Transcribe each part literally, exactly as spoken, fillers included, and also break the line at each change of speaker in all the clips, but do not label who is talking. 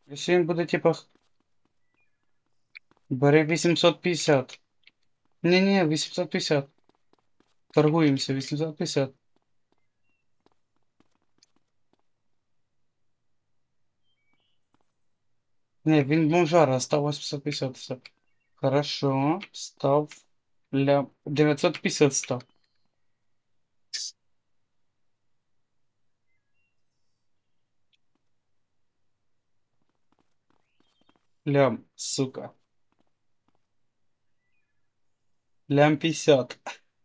Якщо він буде, типа, бери вісімсот п'ятдесят. Ні-ні, вісімсот п'ятдесят. Торгуємося, вісімсот п'ятдесят. Ні, він бомжара, став вісімсот п'ятдесят, все. Хорошо, став ля... дев'ятсот п'ятдесят став. Лям, сука. Лям п'ятдесят.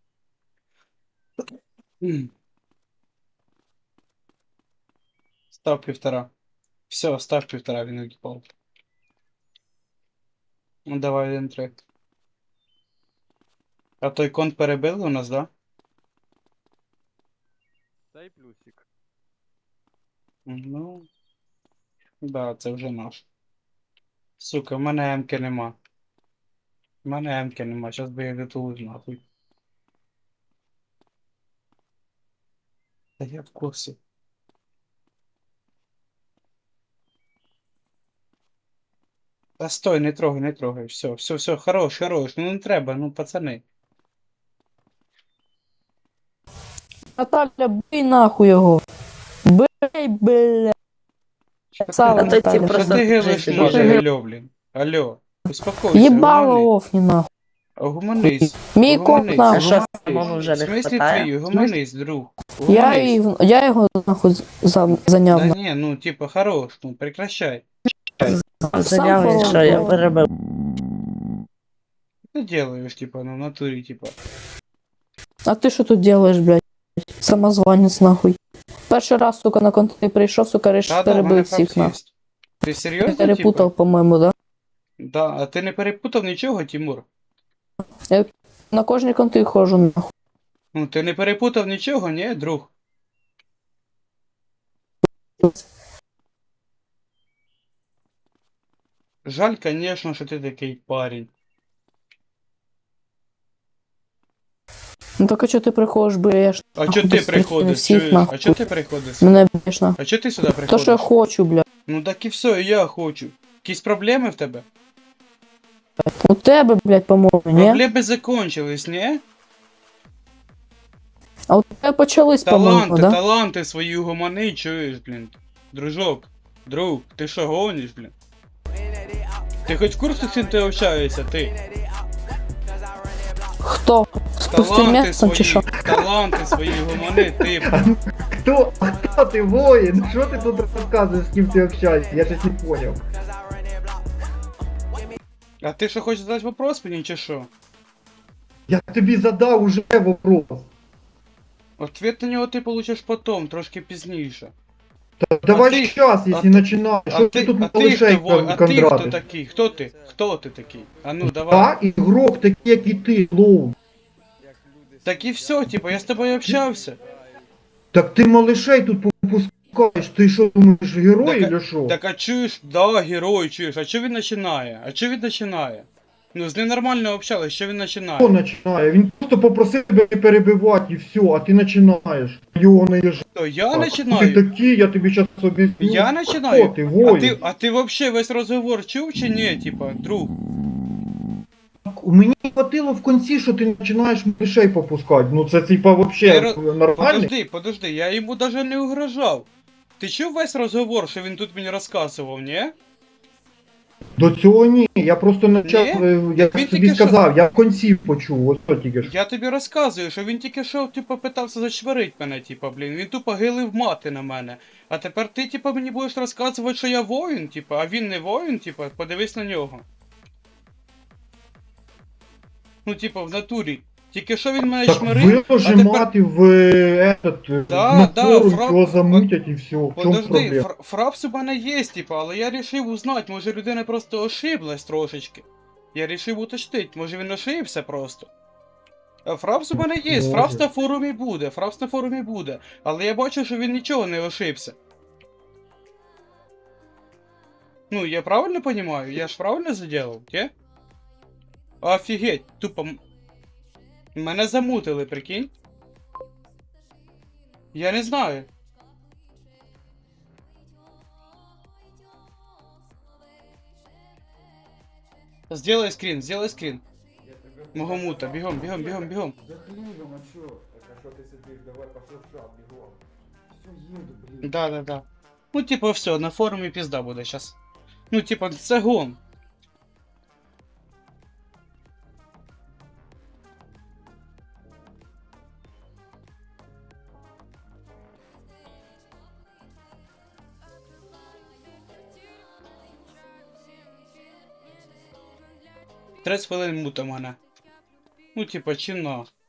М, Став півтора. Все, став півтора, він укипав. Ну давай один трек. А той конт перебили у нас, да?
Дай плюсик.
Ну, да, це вже наш. Сука, в мене емки нема. В мене емки нема, щас би я дотулив нахуй. Та я в курсі. Та стой, не трогай, не трогай. Все, все, все, хорош, хорош. Ну не треба, ну пацани.
Наталя, бий нахуй його. Бий, бля. Сало,
А то ті
Наталя.
Що
просто
ти гилиш
жесть,
може,
дуже
алло, блін. Алло, успокойся,
Єбало
угомонись.
офні нахуй.
Угомонись.
Мій комп
Угомонись.
А
нахуй.
що, самому вже
В
не
смислі
хватає?
твій, угомонись, друг.
Я,
Угомонись.
їх- я його нахуй за- зайняв.
Да
нахуй.
не, ну типа хорош, ну прекращай.
Заняв, і
Сам
що я
порвав.
перебив.
Ты делаешь, типа, ну в натуре, типа.
А ти що тут делаєш, блядь? Самозванець нахуй. Перший раз, сука, на контент прийшов, сука, риш
Да, да, в мене
перебив
факт
всіх нахуй.
есть. Ти серйозно,
Перепутав,
типа?
по-моєму, да?
Да, а ти не перепутав нічого, Тимур?
На кожній конти ходжу нахуй.
Ну ти не перепутав нічого, ні, друг? Жаль, конечно, що ти такий парень.
Ну так а чого ти приходиш, б'єш?
А
нахуй,
чо ти
без причини
приходиш?
всіх,
Чуєш?
нахуй.
А чо ти приходиш?
Мене б'єш нахуй.
А чо ти сюди
То,
приходиш?
що я хочу, блядь.
Ну так і все, і я хочу. Якісь проблеми в тебе?
У тебе, блядь, по-моєму, ні?
Проблеми закончились, ні?
А у тебе почались, по-моєму,
Таланти,
да?
таланти свої гумани, чуєш, блін. Дружок, друг, ти що гониш, блін? Ти хоч в курсі, з ким ти общаєшся, ти?
Хто? З
Таланти
пустимецом чи що?
свої, таланти свої гумани, ти.
Кто? А кто ты, воин? Что ты тут рассказываешь, с кем ты общаешься? Я сейчас не понял.
А ти що хочеш задати вопрос мені, чи що?
Я тобі задав уже вопрос.
Ответ на нього ти получиш потом, трошки пізніше.
Да давай
ты-
сейчас,
а
если
ты-
начинаешь.
А
Что
ти,
ты тут
а ти
малышей
хто, во- а ти хто
кондратишь?
такий? Хто ти? Хто ти такий? А ну давай.
Да, игрок такий, як і ти, клоун.
Як люди
Так і все, типа, я з тобою общався.
Так ти малышей тут попускаєш, ти що думаєш, герой
Так,
или що?
Так а чуєш, да, герой, чуєш, а чого він починає? А чого він починає? Ну, з ним нормально общались, що він
Хто
починає?
починає? Він просто попросив тебе не перебивати і все, а ти починаєш. Його не їж.
То я
Ти
починаю?
такий, я тобі зараз об'ясню.
Я
Хто
починаю?
ти,
А
воїн?
ти, а ти вообще весь розговор чув чи ні, типа, друг?
Мені хватило в кінці, що ти починаєш мишей попускати. Ну це типа вообще
Ти ро-
нормально.
Подожди, подожди, я йому даже не угрожав. Ти чув весь розговор, що він тут мені розказував, ні?
До цього ні. Я просто почав,
Ні?
е, я
Він
тобі
тільки що-
сказав, я в кінці почув, ось що тільки що.
Я тобі розказую, що він тільки що, типу, питався зачварить мене, типу, блін. Він тупо гилив мати на мене. А тепер ти, типу, мені будеш розказувати, що я воїн, типу, а він не воїн, типу, подивись на нього. Ну, типу, в натурі. Тільки що він мене
Так
чмирив,
виложи
а тепер...
мати в е, этот,
Да,
на
да,
форум,
фра-
його замутять і все. В чому
Подожди,
проблема?
фр- фрапс у мене є, типу, але я рішив узнати, може людина просто ошиблась трошечки. Я рішив уточнити, може він ошибся просто. А Фрапс у мене є,
Може.
Фрапс на форумі буде, Фрапс на форумі буде. Але я бачу, що він нічого не ошибся. Ну, я правильно розумію? Я ж правильно заділав, ті? Офігеть, тупо. м- Мене замутили, прикинь. Я не знаю. Сделай скрін, сделай скрін.
Я тебе...
Мого мута, бігом, бігом, бігом, бігом.
За хлібом, а чо? Так, а що ти сидиш? Давай пошов в шап, бігом. Все, їду, блін.
Да, да, да. Ну, типа, все, на форумі пізда буде щас. Ну, типа, це гон. тридцять хвилин мута мене. Ну, типа, чи на.